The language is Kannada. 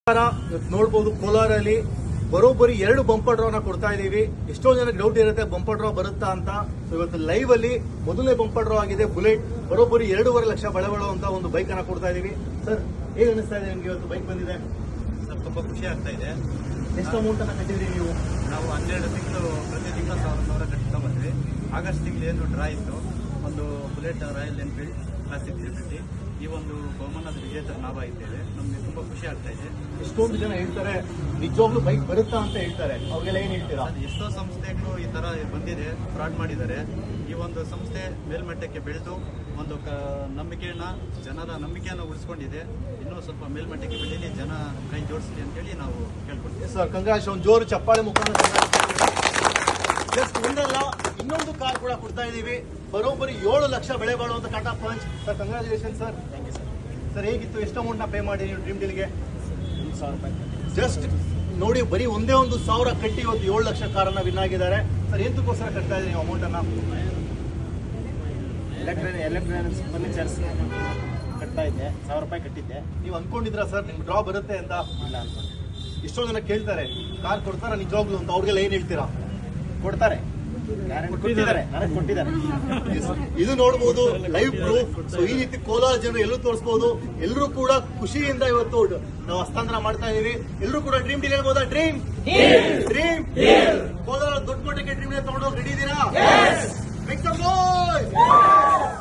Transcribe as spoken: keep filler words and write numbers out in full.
ನೋಡಬಹುದು ಕೋಲಾರಲ್ಲಿ ಬರೋಬ್ಬರಿ ಎರಡು ಬಂಪರ್ ಡ್ರಾನ ಕೊಡ್ತಾ ಇದೀವಿ. ಎಷ್ಟೋ ಜನಕ್ಕೆ ಡೌಟ್ ಇರುತ್ತೆ ಬಂಪರ್ ಡ್ರಾ ಬರುತ್ತಾ ಅಂತ. ಸೊ ಇವತ್ತು ಲೈವ್ ಅಲ್ಲಿ ಮೊದಲನೇ ಬಂಪರ್ ಡ್ರಾ ಆಗಿದೆ. ಬುಲೆಟ್ ಬರೋಬ್ಬರಿ ಎರಡೂವರೆ ಲಕ್ಷ ಬೆಳೆ ಬಾಳುವಂತ ಒಂದು ಬೈಕ್ ಅನ್ನ ಕೊಡ್ತಾ ಇದೀವಿ. ಸರ್ ಹೇಗೆ ಅನಿಸ್ತಾ ಇದೆ ನಿಮ್ಗೆ ಇವತ್ತು ಬೈಕ್ ಬಂದಿದೆ? ಸರ್ ತುಂಬಾ ಖುಷಿ ಆಗ್ತಾ ಇದೆ. ಎಷ್ಟು ಅಮೌಂಟ್ ಅನ್ನ ಕಟ್ಟಿದ್ರಿ ನೀವು? ನಾವು ಹನ್ನೆರಡು ತಿಂಗಳು ಪ್ರತಿ ತಿಂಗಳು ಸಾವಿರ ಸಾವಿರ ಕಟ್ತಾ ಬಂದ್ವಿ. ಆಗಸ್ಟ್ ತಿಂಗಳು ಏನು ಡ್ರಾ ಇತ್ತು, ಒಂದು Bullet Royal Enfield Classic three fifty ಈ ಒಂದು ಬಹುಮಾನದ ವಿಜೇತರ ಲಾಭ ಇದ್ದೇವೆ. ನಮ್ಗೆ ತುಂಬಾ ಖುಷಿ ಆಗ್ತಾ ಇದೆ. ಎಷ್ಟೊಂದು ಜನ ಹೇಳ್ತಾರೆ ನಿಜವಾಗ್ಲೂ ಬೈಕ್ ಬರುತ್ತಾ ಅಂತ ಹೇಳ್ತಾರೆ, ಅವ್ರಿಗೆಲ್ಲ ಏನ್ ಹೇಳ್ತೀರಾ? ಎಷ್ಟೋ ಸಂಸ್ಥೆಗಳು ಈ ತರ ಬಂದಿದೆ, ಫ್ರಾಡ್ ಮಾಡಿದ್ದಾರೆ. ಈ ಒಂದು ಸಂಸ್ಥೆ ಮೇಲ್ಮಟ್ಟಕ್ಕೆ ಬೆಳೆದು ಒಂದು ನಂಬಿಕೆಯನ್ನ ಜನರ ನಂಬಿಕೆಯನ್ನು ಉಳಿಸ್ಕೊಂಡಿದೆ. ಇನ್ನೂ ಸ್ವಲ್ಪ ಮೇಲ್ಮಟ್ಟಕ್ಕೆ ಬೆಳೀಲಿ, ಜನ ಕೈ ಜೋಡಿಸಲಿ ಅಂತೇಳಿ ನಾವು ಕೇಳ್ಕೊಳ್ತೀವಿ. ಸರ್ ಕಂಗ್ರಾಚ್, ಒಂದು ಜೋರು ಚಪ್ಪಾಳೆ ಮುಖಾಂತರ ಜಸ್ಟ್ ಒಂದಲ್ಲ ಇನ್ನೊಂದು ಕಾರ್ ಕೂಡ ಕೊಡ್ತಾ ಇದೀವಿ. ಬರೋಬ್ಬರಿ ಏಳು ಲಕ್ಷ ಬೆಳೆ ಬಾಳುವಂತ Tata Punch. Sir congratulation sir. Thank you sir. Sir ಹೇಗಿತ್ತು? ಎಷ್ಟು ಅಮೌಂಟ್ ನ ಪೇ ಮಾಡಿ ನೀವು ಡ್ರೀಮ್ ಡೀಲ್ಗೆ? ಒಂದು ಸಾವಿರ ರೂಪಾಯಿ ಜಸ್ಟ್ ನೋಡಿ, ಬರೀ ಒಂದೇ ಒಂದು ಸಾವಿರ ಕಟ್ಟಿ ಇವತ್ತು ಏಳು ಲಕ್ಷ ಕಾರನ್ನ ವಿನ್ ಆಗಿದ್ದಾರೆ. ಸರ್ ಎಂತಕ್ಕೋಸ್ಕರ ಕಟ್ತಾ ಇದ್ದೀರಿ ನೀವು ಅಮೌಂಟ್ ಅನ್ನ? ಎಲೆಕ್ಟ್ರಾನಿಕ್ ಎಲೆಕ್ಟ್ರಾನಿಕ್ಸ್ ಫರ್ನಿಚರ್ಸ್ ಕಟ್ತಾ ಇದ್ದೆ, ಸಾವಿರ ರೂಪಾಯಿ ಕಟ್ಟಿದ್ದೆ. ನೀವು ಅನ್ಕೊಂಡಿದ್ರಾ ಸರ್ ನಿಮ್ಗೆ ಡ್ರಾ ಬರುತ್ತೆ ಅಂತ? ಇಲ್ಲ ಅನ್ಕೊಂಡು. ಎಷ್ಟೋ ಜನ ಕೇಳ್ತಾರೆ ಕಾರ್ ಕೊಡ್ತಾರ ನಿಜವಾಗ್ಲು ಅಂತ, ಅವ್ರಿಗೆಲ್ಲ ಏನ್ ಹೇಳ್ತೀರಾ? ಕೊಡ್ತಾರೆ, ಕೊಟ್ಟಿದ್ದಾರೆ, ನನಗೆ ಕೊಟ್ಟಿದ್ದಾರೆ. ಇದು ನೋಡಬಹುದು ಲೈವ್ ಪ್ರೂಫ್. ಸೊ ಈ ರೀತಿ ಕೋಲಾರ ಜನರು ಎಲ್ಲರೂ ತೋರಿಸಬಹುದು. ಎಲ್ಲರೂ ಕೂಡ ಖುಷಿಯಿಂದ ಇವತ್ತು ನಾವು ಹಸ್ತಾಂತರ ಮಾಡ್ತಾ ಇದೀವಿ. ಎಲ್ಲರೂ ಕೂಡ ಡ್ರೀಮ್ ಡೀಲ್ ಹೇಳ್ಬೋದಾ? ಡ್ರೀಮ್ ಡ್ರೀಮ್ ಕೋಲಾರ ದೊಡ್ಡ ಮಟ್ಟಕ್ಕೆ ಡ್ರೀಮ್ ಡೀಲ್ ತಗೊಂಡೋಗಿ ರೆಡಿ ಇದ್ದೀರಾ?